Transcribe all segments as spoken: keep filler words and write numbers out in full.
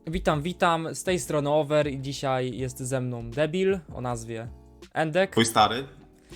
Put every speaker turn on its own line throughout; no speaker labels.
Witam, witam, z tej strony Over i dzisiaj jest ze mną Debil o nazwie Endek.
Twój stary.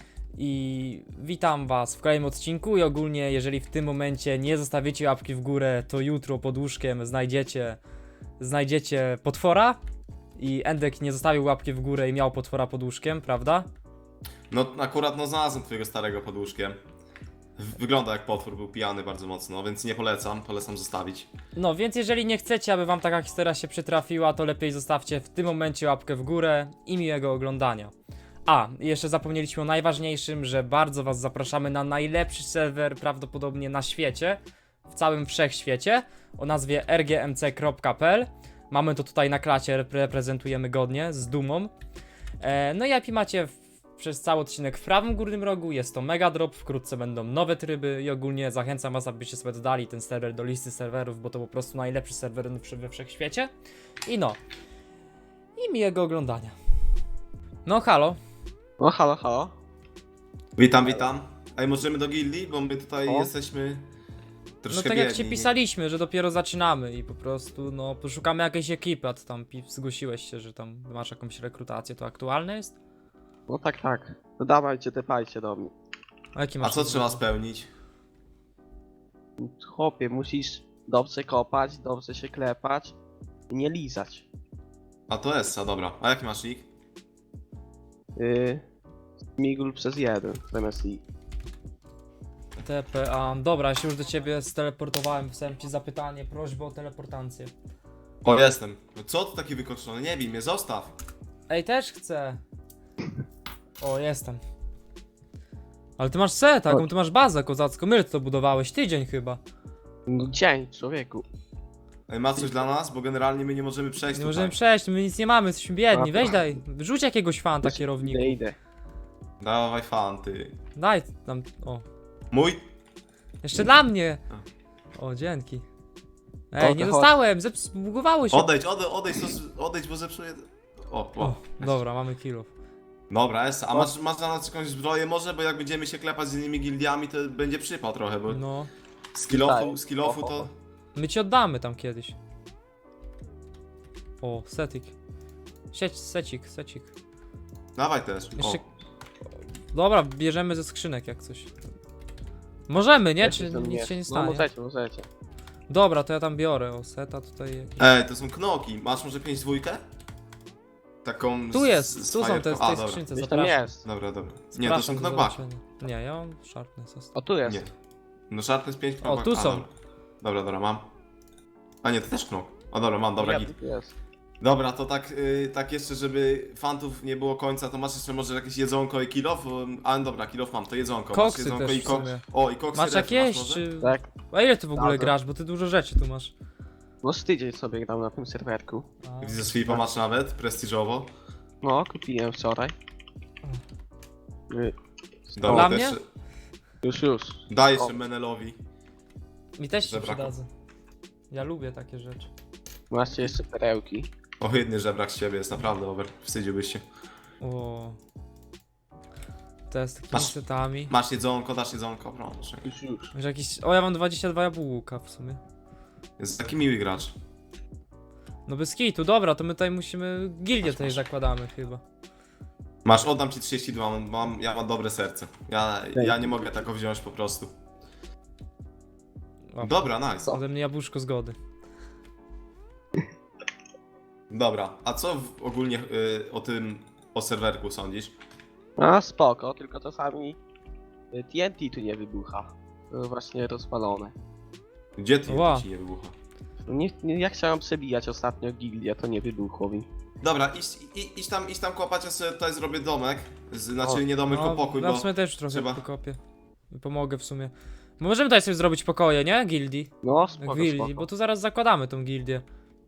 I witam was w kolejnym odcinku i ogólnie jeżeli w tym momencie nie zostawicie łapki w górę, to jutro pod łóżkiem znajdziecie, znajdziecie potwora. I Endek nie zostawił łapki w górę i miał potwora pod łóżkiem, prawda?
No akurat no znalazłem twojego starego pod łóżkiem. Wygląda jak potwór, był pijany bardzo mocno, więc nie polecam, polecam zostawić.
No więc jeżeli nie chcecie, aby wam taka historia się przytrafiła, to lepiej zostawcie w tym momencie łapkę w górę i miłego oglądania. A, i jeszcze zapomnieliśmy o najważniejszym, że bardzo was zapraszamy na najlepszy serwer prawdopodobnie na świecie, w całym wszechświecie, o nazwie r g m c kropka p l. Mamy to tutaj na klacie, reprezentujemy godnie, z dumą. E, no i I P macie w, przez cały odcinek w prawym górnym rogu, jest to mega drop, wkrótce będą nowe tryby i ogólnie zachęcam was, abyście sobie dodali ten serwer do listy serwerów, bo to po prostu najlepszy serwer we wszechświecie. I no, i miłego oglądania. No halo.
No halo, halo.
Witam, witam. Ej, możemy do gildii, bo my tutaj
O.
jesteśmy
No
troszkę
tak jak
biedni.
ci pisaliśmy, że dopiero zaczynamy i po prostu no poszukamy jakiejś ekipy, a ty tam pi- zgłosiłeś się, że tam masz jakąś rekrutację, to aktualne jest?
No tak, tak. No dawajcie, tepajcie do mnie.
A jaki
A
masz
co
to
trzeba
zrobić?
spełnić?
Chłopie, musisz dobrze kopać, dobrze się klepać i nie lizać.
A to Essa, dobra. A jaki masz nick?
Yy, Migul przez jeden zamiast i.
T P A. Dobra, ja się już do ciebie steleportowałem, wysłałem ci zapytanie, prośbę o teleportację.
O, jestem. No co tu taki wykończony? Nie bij mnie, zostaw.
Ej, też chcę. O, jestem. Ale ty masz set, taką ty masz bazę kozacką, my to budowałeś, tydzień chyba.
No dzień, człowieku.
Ej, ma coś dla nas? Bo generalnie my nie możemy przejść
Nie
tutaj.
możemy przejść, my nic nie mamy, jesteśmy biedni, weź daj, rzuć jakiegoś fanta
Idę,
kierowniku.
idę.
Dawaj fanty.
Daj tam, o.
Mój?
Jeszcze dla mnie! O, dzięki. Ej,
O,
nie
to
dostałem, zbugowało się.
Odejdź, odejdź, odejdź, odejdź, bo zepsuję... O,
O,
o.
dobra, mamy killów.
Dobra, Essa. A masz, masz dla nas jakąś zbroję może? Bo jak będziemy się klepać z innymi gildiami, to będzie przypał trochę, bo...
No,
Skillofu,
Tak.
skillofu
O, o,
to...
o.
my ci oddamy tam kiedyś. O, setik. Sieć, secik, secik.
Dawaj też.
Jeszcze...
O.
Dobra, bierzemy ze skrzynek jak coś. Możemy, nie?
Ja
Czy
tam
nic
nie-
się nie
No
stanie?
możecie, możecie.
Dobra, to ja tam biorę, o, seta tutaj jakiś.
Ej, to są knoki. Masz może pięć dwójkę? Taką.
Tu
z-
jest,
z
tu są
fajerką.
te w
A,
tej
dobra.
skrzynce,
Gdzieś tam
zapraszam.
jest.
Dobra, dobra. Nie, to
Zapraszam
są
do
knockback.
zobaczenia. Nie, ja mam sharpness. jest.
O, tu jest.
Nie. No sharpness pięć
O,
knockback.
tu
A,
są.
Dobra. dobra, dobra, mam. A nie, to też knok. O dobra, mam, dobra,
Ja,
git.
tu jest.
Dobra, to tak, y, tak jeszcze, żeby fantów nie było końca, to masz jeszcze może jakieś jedzonko i kilof? A dobra, kilof mam, to jedzonko.
Koksy
masz jedzonko
też
i
w
koks.
sumie.
O, i koksy
Masz
refy
jakieś,
może?
czy...
Tak.
A ile ty w ogóle
Dobra.
grasz, bo ty dużo rzeczy tu masz.
No z tydzień sobie grał na tym serwerku.
A,
Widzę, sweepa masz nawet, prestiżowo.
No, kupiłem wczoraj. Yy,
Dobra,
Dla
to
mnie?
jeszcze,
Już, już.
daj jeszcze
O.
Menelowi.
mi też się
Żebraku.
przydadzą. Ja lubię takie rzeczy.
Macie jeszcze perełki.
Ohydny żebrak z ciebie jest, naprawdę, over. Wstydziłbyś się.
O. To z takimi
Masz-
setami.
Masz jedzonko, dasz jedzonko, proszę.
Już, już.
Może jakiś... O, ja mam dwadzieścia dwa jabłka w sumie.
Jest taki miły gracz.
No bez kitu, dobra, to my tutaj musimy... Gildię
Masz,
tutaj
masz.
zakładamy chyba.
Masz, oddam ci trzydzieści dwa, mam, mam, ja mam dobre serce. Ja, ja nie mogę tego wziąć po prostu.
O,
Dobra, nice.
ode mnie jabłuszko zgody.
Dobra, a co w, ogólnie y, o tym, o serwerku sądzisz?
A spoko, tylko czasami y, T N T tu nie wybucha. To właśnie rozwalone.
Gdzie ty
Ła.
ci nie wybucha?
No Nie, nie, ja chciałem przebijać ostatnio gildię, to nie wybuchło mi.
Dobra, idź, i, idź tam, idź tam kopać, ja sobie tutaj zrobię domek. Z, znaczy
O,
nie domek, tylko pokój,
ja w
bo...
sumie też trochę
trzeba-
pokopię. I pomogę w sumie. Możemy tutaj sobie zrobić pokoje, nie? Gildii.
No spoko,
Gildii,
spoko.
bo tu zaraz zakładamy tą gildię.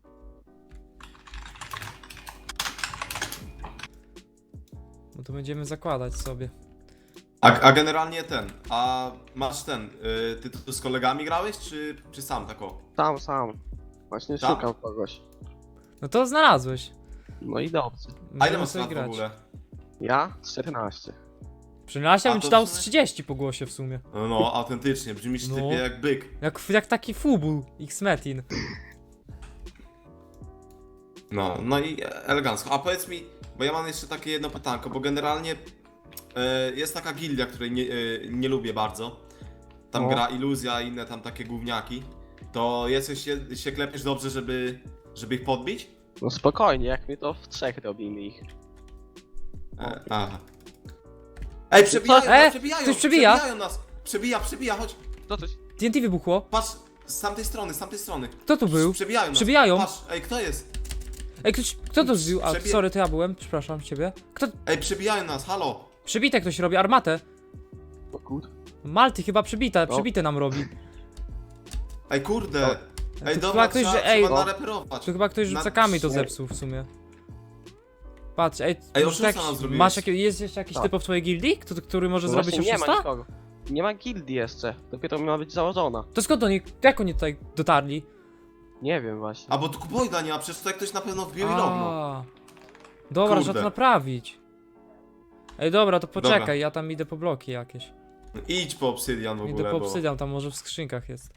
No to będziemy zakładać sobie.
A, a generalnie ten, a masz ten, y, ty tu z kolegami grałeś, czy, czy sam tako?
Sam, sam. Właśnie
Sam?
szukam kogoś.
No to znalazłeś.
No i dobrze.
A ile
Możemy
masz
sobie
lat w
grać.
ogóle?
Ja? czternaście.
Przynajmniej
A
bym ci
to
dał
w
z
sumie-
trzydzieści po głosie w sumie.
No, no autentycznie, brzmisz
No.
typie jak byk.
Jak, jak taki fubu X-Metin.
No, no i elegancko. A powiedz mi, bo ja mam jeszcze takie jedno pytanko, bo generalnie e, jest taka gildia, której nie, e, nie lubię bardzo. Tam
No.
gra Iluzja i inne tam takie gówniaki. To jesteś się, się klepiesz dobrze, żeby, żeby ich podbić?
No spokojnie, jak my to w trzech robimy ich.
E, aha. Ej, przebijają
Co?
nas,
E,
przebijają!
ktoś przebija?
Przebijają nas! Przebija, przebija, chodź!
To coś...
T N T wybuchło.
Patrz, z tamtej strony, z tamtej strony.
Kto tu był?
Przebijają nas.
Przebijają.
Patrz, ej, kto jest?
Ej, ktoś, kto to zbił? A,
Przebie-
sorry, to ja byłem, przepraszam ciebie. Kto?
Ej, przebijają nas, halo!
Przebite ktoś robi, armatę.
O kur...
Malty chyba przebite,
No.
przebite nam robi.
Ej, kurde! Ej,
Tu
dobra,
chyba ktoś,
trzeba,
że- ej,
trzeba
no.
nareperować.
Tu chyba ktoś
Na-
rzucakami to
nie.
zepsuł w sumie. Patrz, ej,
Ej,
może
oszusta nam zrobiłeś.
masz jakie, jest jeszcze jakiś
Tak.
typ w twojej gildii, kto, który może
No
zrobić
właśnie, nie ma
oszusta?
nikogo. Nie ma gildii jeszcze. Dopiero ma być założona.
To skąd oni, jak oni tutaj dotarli?
Nie wiem właśnie.
A bo tu Kubojda nie ma, przecież tutaj ktoś na pewno wbił i robił.
A, dobra,
Kurde.
trzeba to naprawić. Ej, dobra, to poczekaj,
Dobra.
ja tam idę po bloki jakieś.
Idź po obsydian w ogóle,
Idę po
bo...
obsydian, tam może w skrzynkach jest.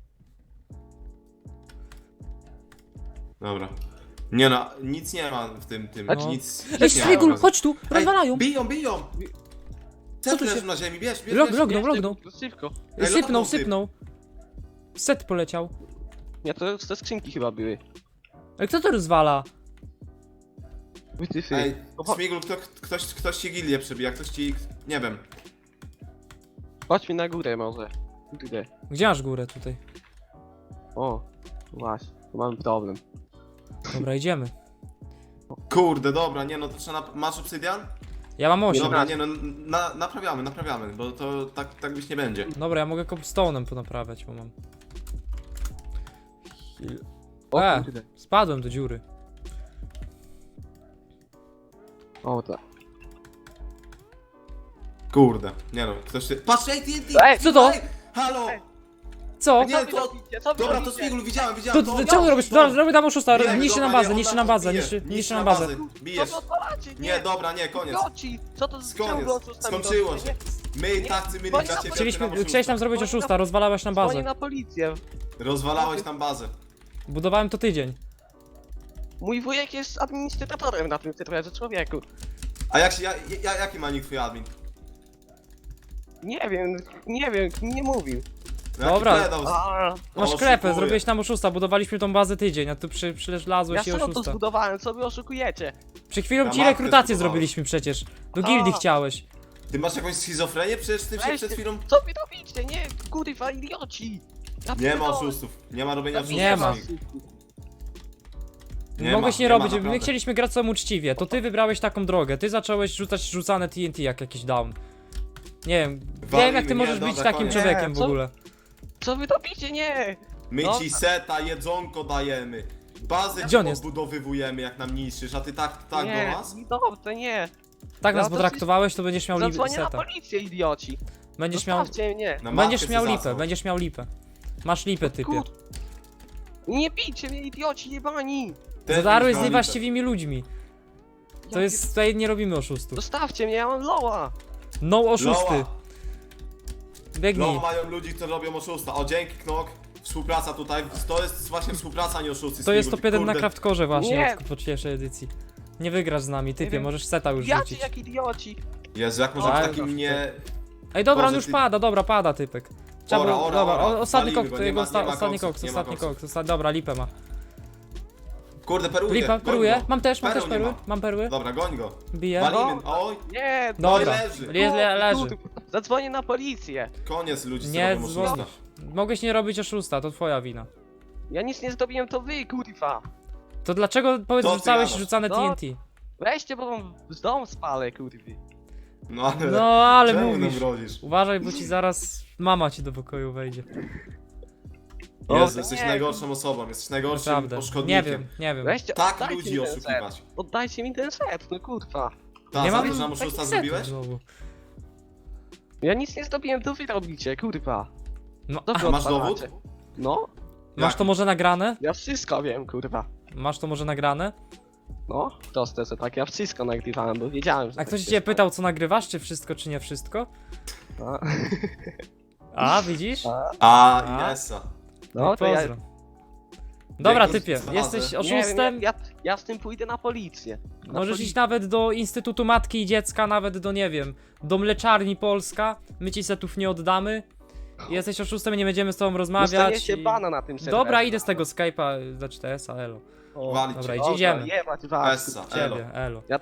Dobra. Nie no, nic nie ma w tym, tym,
Znaczy-
nic...
Ej,
nic nie ma
Strigul,
pokazać.
chodź tu,
Ej,
rozwalają!
biją, biją!
Co
Co
tu
tu
się-
leży na ziemi, bierz, bierz,
Log-
bierz.
log-
Nie,
lognął.
szybko, szybko.
Ej,
Sypnął,
lognął typ.
sypnął. Set poleciał.
Nie, to te skrzynki chyba były.
Ej, kto to rozwala?
Wytyfy.
Ej,
No cho-
Smigul, kto, ktoś, ktoś ci gildię przebija, ktoś ci... nie wiem.
Chodźmy na górę może. Górę.
Gdzie masz górę tutaj?
O, właśnie. Tu mamy problem.
Dobra, idziemy.
Kurde, dobra, nie no, to trzeba... Nap... Masz obsydian?
Ja mam osiem.
Dobra, nie no, na, naprawiamy, naprawiamy, bo to tak, tak być nie będzie.
Dobra, ja mogę cobbstone'em ponaprawiać, bo mam. Heal.
O
E.
kurde.
Spadłem do dziury.
O tak.
Kurde, nie no, ktoś się... Patrz, ej, T N T!
Ej,
co to?
Ej, halo!
Ej.
Co?
Nie,
Co wy
to-
robicie? Co wy
Dobra, to
robicie?
Smigul, widziałem,
To,
widziałem,
to,
to...
to czemu robisz? Dobra, robię tam oszusta,
Bijemy,
niszczy nam
dobra,
bazę,
nie,
niszczy
on
nam
nas
bazę,
bije.
niszczy,
Niszczy
niszczy nam
na
bazę.
Co
Bijesz.
wy odwalacie?
Nie, dobra, nie, koniec.
Idioci! Co to za
Koniec.
ciągle oszustami
Skończyło
robicie?
się. My
Nie,
tacy mieli
dzwonię
dla
na
ciebie.
Chcieliśmy,
ty nam
chciałeś nam zrobić oszusta, rozwalałeś nam
Dzwonię
bazę.
na policję.
Rozwalałeś tam bazę.
Budowałem to tydzień.
Mój wujek jest administratorem na tym serwerze, człowieku.
A jak się, ja, ja, jaki ma nick twój admin?
Nie wiem, nie wiem, nie mówił.
Jaki
Dobra.
pedał?
A,
Masz
Oszukuje.
klepę, zrobiłeś nam oszusta, budowaliśmy tą bazę tydzień, a tu przy,
ja
przylazłeś i
sam to
oszusta.
zbudowałem, co wy oszukujecie?
Przed chwilą
Ja
ci
matkę
rekrutację
zbudowałem.
zrobiliśmy przecież. Do
A.
gildii chciałeś.
Ty masz jakąś schizofrenię? Przecież ty się
Weź
przed
ty-
chwilą...
Co wy robicie? Nie, kurwa, idioci! Ja
Nie ma
pierdolę.
oszustów. Nie ma robienia oszustów.
Nie ma.
Nie
Mogłeś
ma,
nie
ma,
robić, my
naprawdę.
chcieliśmy grać sam uczciwie, to ty wybrałeś taką drogę, ty zacząłeś rzucać rzucane T N T jak jakiś down. Nie wiem, wiem jak ty
nie,
możesz
dobra,
być takim
koniec.
człowiekiem w
Nie, co-
ogóle.
Co wy robicie? Nie!
My
No.
ci seta, jedzonko dajemy. Bazę
Gdzie
ci
on jest?
odbudowywujemy jak nam niszczysz, a ty tak, tak
nie,
do nas?
dobrze, nie.
Tak nas
Ja to
potraktowałeś, to będziesz miał lipę
Zadzwonię na
seta.
policję, idioci.
Będziesz miał,
Zostawcie mnie.
Na
będziesz
matkę
miał
se
lipę,
zasnął.
będziesz miał lipę. Masz lipę, typie.
Kur... Nie bijcie mnie, idioci, jebani!
Też
Zadarłeś
byś
z
miał
niewłaściwymi ludźmi. To
Ja
jest, tutaj nie robimy oszustów.
pier- Zostawcie mnie, ja mam loa!
No
lipę.
oszusty.
Loa.
Biegnij.
No mają ludzi, którzy robią oszusta. O, dzięki Knok. Współpraca tutaj. To jest właśnie współpraca, nie oszusty.
To jest
Smigul.
top jeden na
Kurde.
Craftkorze właśnie
Nie.
od po pierwszej edycji. Nie wygrasz z nami, typie,
wiem.
możesz seta już
Jacie
rzucić.
jak idioci!
Jezu, jak może
Tak.
być takim nie...
Ej, dobra, on
Boże,
już
ty-
pada, dobra, pada typek. Trzeba
Ora,
było,
ora,
dobra,
ora.
o- ostatni
Walimy
kok,
go,
to
nie
jego
ma-
osta,
nie ma
ostatni
koksów,
koks,
nie ma
ostatni
koksów.
koks, ostatni, dobra, lipę ma.
Kurde, peruje.
Lipa,
goń
peruję,
go.
mam też, mam
Perą
też
nie
perły,
ma.
mam perły,
Dobra, goń go.
biję.
Walimy. Oj,
Nie,
Dobra,
leży.
le, le, leży.
Kur- Zadzwonię na policję.
koniec ludzi, co
Nie
robią
dzwonisz.
oszusta.
Mogłeś nie robić oszusta, to twoja wina.
Ja nic nie zrobiłem, to wy, kurwa.
To dlaczego, powiedz,
Co ty
rzucałeś
gadasz?
rzucane
No.
T N T?
Weźcie, bo wam z dom spalę, kurwy.
No ale...
No, ale
czemu nam
mówisz.
grozisz?
Uważaj, bo ci zaraz mama ci do pokoju wejdzie.
O,
Jezu,
to
jesteś
nie.
najgorszą osobą, jesteś najgorszym
Naprawdę. Nie
poszkodnikiem.
wiem, nie wiem.
Weźcie,
Tak
oddajcie
ludzi
mi ten set.
oszukiwać.
Oddajcie mi ten set, no kurwa.
Ta,
Nie
za
mam
to, że nam
takich
oszusta
setów
zrobiłeś?
znowu.
Ja nic nie zrobiłem, to wy robicie, kurwa.
No,
Co
a,
wy
A masz
odwalacie?
dowód?
No,
masz to może nagrane?
ja wszystko wiem, kurwa.
Masz to może nagrane?
No, proste, że tak, ja wszystko nagrywałem, bo wiedziałem, że
A
tak
ktoś
się
cię
stanie.
pytał, co nagrywasz, czy wszystko, czy nie wszystko?
No,
A, widzisz?
A,
A,
A?
Inessa.
no to ja,
Pozdro. Dobra,
jakąś
typie,
fazę.
jesteś
Nie
oszustem.
wiem, ja, ja, ja z tym pójdę na policję. Na
Możesz
policję.
iść nawet do Instytutu Matki i Dziecka, nawet do, nie wiem, do Mleczarni Polska. My ci setów nie oddamy. Jesteś oszustem, nie będziemy z tobą rozmawiać.
Dostaniecie
i-
bana na tym serwerze.
Dobra, idę z tego Skype'a za cztery S a, elo.
O,
Walić
Dobra,
cię.
idzie- idziemy.
Jebać was.
Essa, elo.
Ciebie, elo.
Ja